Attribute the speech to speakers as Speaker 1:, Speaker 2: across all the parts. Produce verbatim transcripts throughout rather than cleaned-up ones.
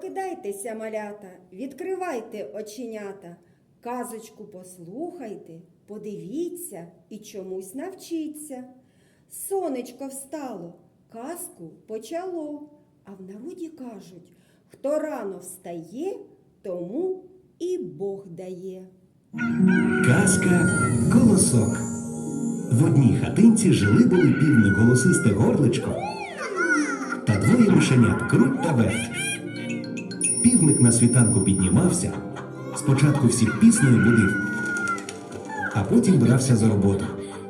Speaker 1: Прокидайтеся, малята, відкривайте оченята, казочку послухайте, подивіться і чомусь навчіться. Сонечко встало, казку почало, а в народі кажуть, хто рано встає, тому і Бог дає.
Speaker 2: Казка «Колосок». В одній хатинці жили-були півник голосисте горличко та двоє мишенят Круть та Верть. Півник на світанку піднімався, спочатку всіх піснею будив, а потім брався за роботу.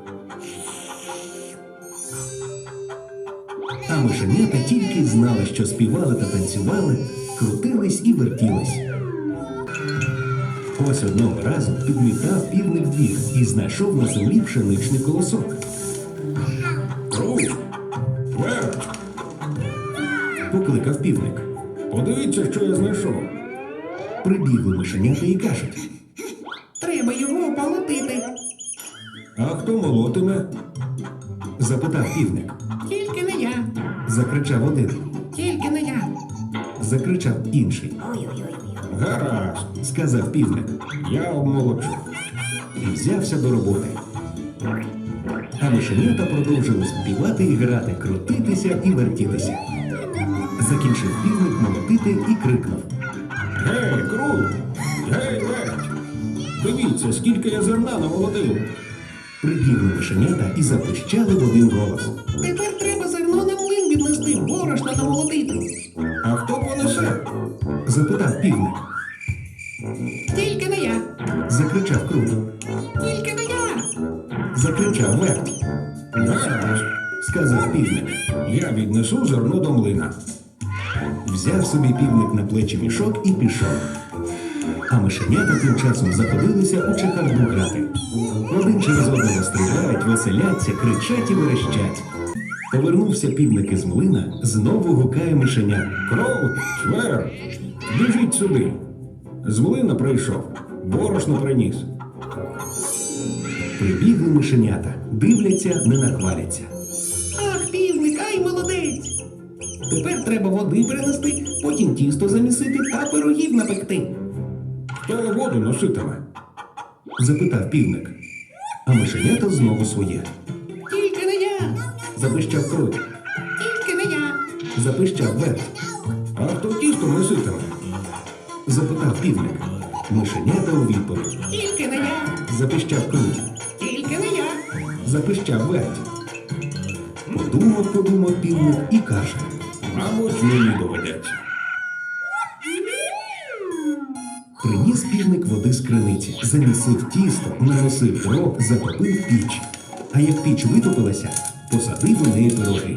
Speaker 2: А мишенята тільки знали, що співали та танцювали, крутились і вертілись. Ось одного разу підмітав півник двір і знайшов на землі пшеничний колосок.
Speaker 3: Круть! Верть!
Speaker 2: Покликав півник.
Speaker 3: Подивіться, що я знайшов.
Speaker 2: Прибігли мишенята і кажуть.
Speaker 4: Треба його полотити.
Speaker 3: А хто молотиме?
Speaker 2: Запитав півник.
Speaker 4: Тільки не я,
Speaker 2: Закричав один.
Speaker 4: тільки не я.
Speaker 2: Закричав інший.
Speaker 3: Гаразд,
Speaker 2: Сказав півник.
Speaker 3: я обмолочу.
Speaker 2: І взявся до роботи. А мишенята продовжили співати і грати, крутитися і вертітися. Закінчив півник молотити і крикнув.
Speaker 3: Гей, Круть! Гей, Верть! Дивіться, скільки я зерна намолотив.
Speaker 2: Прибігли мишенята і запищали в один голос.
Speaker 4: Тепер треба зерно на млин віднести, борошна намолотити.
Speaker 3: А хто понесе?
Speaker 2: Запитав півник.
Speaker 4: Тільки не я,
Speaker 2: Закричав Круть.
Speaker 4: тільки не я.
Speaker 2: Закричав Верть.
Speaker 3: Гаразд,
Speaker 2: Сказав півник.
Speaker 3: я віднесу зерно до млина.
Speaker 2: Взяв собі півник на плечі мішок і пішов. А мишенята тим часом заходилися у чехарду грати. Один через одного стріляють, веселяться, кричать і верещать. Повернувся півник із млина, знову гукає мишеня.
Speaker 3: Круть! Верть! Біжіть сюди. З млина прийшов, борошно приніс.
Speaker 2: Прибігли мишенята, дивляться, не нахваляться.
Speaker 4: Ах, півник, ай, молодець. Тепер треба води принести, потім тісто замісити та пирогів напекти.
Speaker 3: Хто воду носитиме?
Speaker 2: Запитав півник. А мишенята знову своє.
Speaker 4: Тільки не я,
Speaker 2: Запищав Круть.
Speaker 4: тільки не я.
Speaker 2: Запищав Верть.
Speaker 3: А хто тісто носитиме?
Speaker 2: Запитав півник. Мишенята у відповідь.
Speaker 4: Тільки не я,
Speaker 2: Запищав Круть.
Speaker 4: тільки не я.
Speaker 2: Запищав Верть. Подумав, подумав півник і каже.
Speaker 3: Мабуть, мені доведеться.
Speaker 2: Приніс півник води з криниці, замісив тісто, наносив дров, затопив піч. А як піч витопилася, посадив у неї пироги.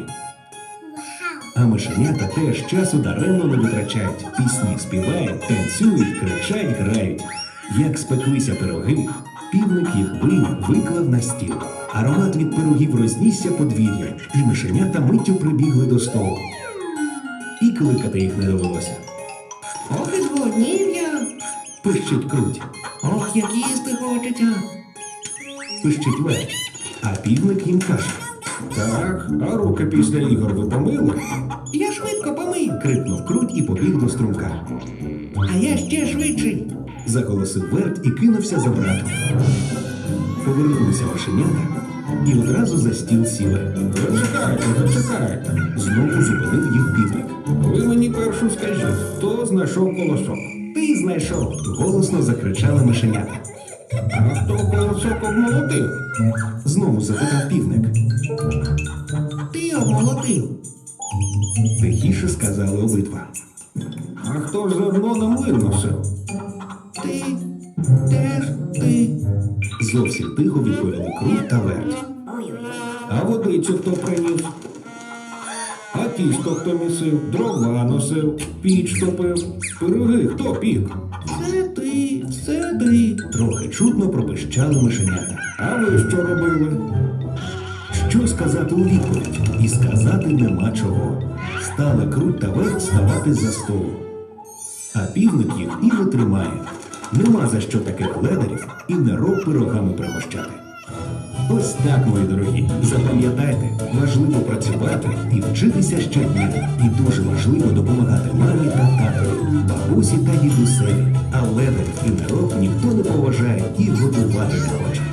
Speaker 2: А мишенята теж часу даремно не витрачають. Пісні співають, танцюють, кричать, грають. Як спеклися пироги, півник їх вийняв, виклав на стіл. Аромат від пирогів рознісся подвір'я, і мишенята миттю прибігли до столу. І кликати їх не довелося.
Speaker 4: Ох, і зголоднів я.
Speaker 2: Пищить Круть,
Speaker 4: Ох, як їсти хочеться.
Speaker 2: пищить Верть, а півник їм каже.
Speaker 3: Так, а руки після ігор ви помили?
Speaker 4: Я швидко помив,
Speaker 2: Крикнув Круть і побіг до струмка.
Speaker 4: а я ще швидший.
Speaker 2: Заголосив Верть і кинувся за братом. Повернулися мишенята і одразу за стіл сіли.
Speaker 3: Зачекайте, зачекайте.
Speaker 2: Знову зупинив їх півник.
Speaker 3: Ви мені першу скажіть, хто знайшов колосок?
Speaker 2: Ти знайшов! Голосно закричали мишенята.
Speaker 3: А хто колосок обмолотив?
Speaker 2: Знову запитав півник.
Speaker 4: Ти обмолотив.
Speaker 2: Тихіше сказали обидва.
Speaker 3: А хто ж зерно на млин носив?
Speaker 4: Ти, теж ти.
Speaker 2: Зовсім тихо відповіли Круть та Верть.
Speaker 3: А водицю хто приніс? А тісто хто місив? Дрова носив, піч топив. Пироги хто пік?
Speaker 4: Це ти, це ти.
Speaker 2: Трохи чутно пропищали мишенята.
Speaker 3: А ви що робили?
Speaker 2: Що сказати у відповідь? І сказати нема чого. Стали Круть та Верть ставати за столу. А півник їх і не тримає. Нема за що таких ледарів і не роб пирогами пригощати. Ось так, мої дорогі, запам'ятайте, важливо працювати і вчитися щодня. І дуже важливо допомагати мамі та татові. бабусі та дідусеві, а ледарів і народ ніхто не поважає і готувати не хоче.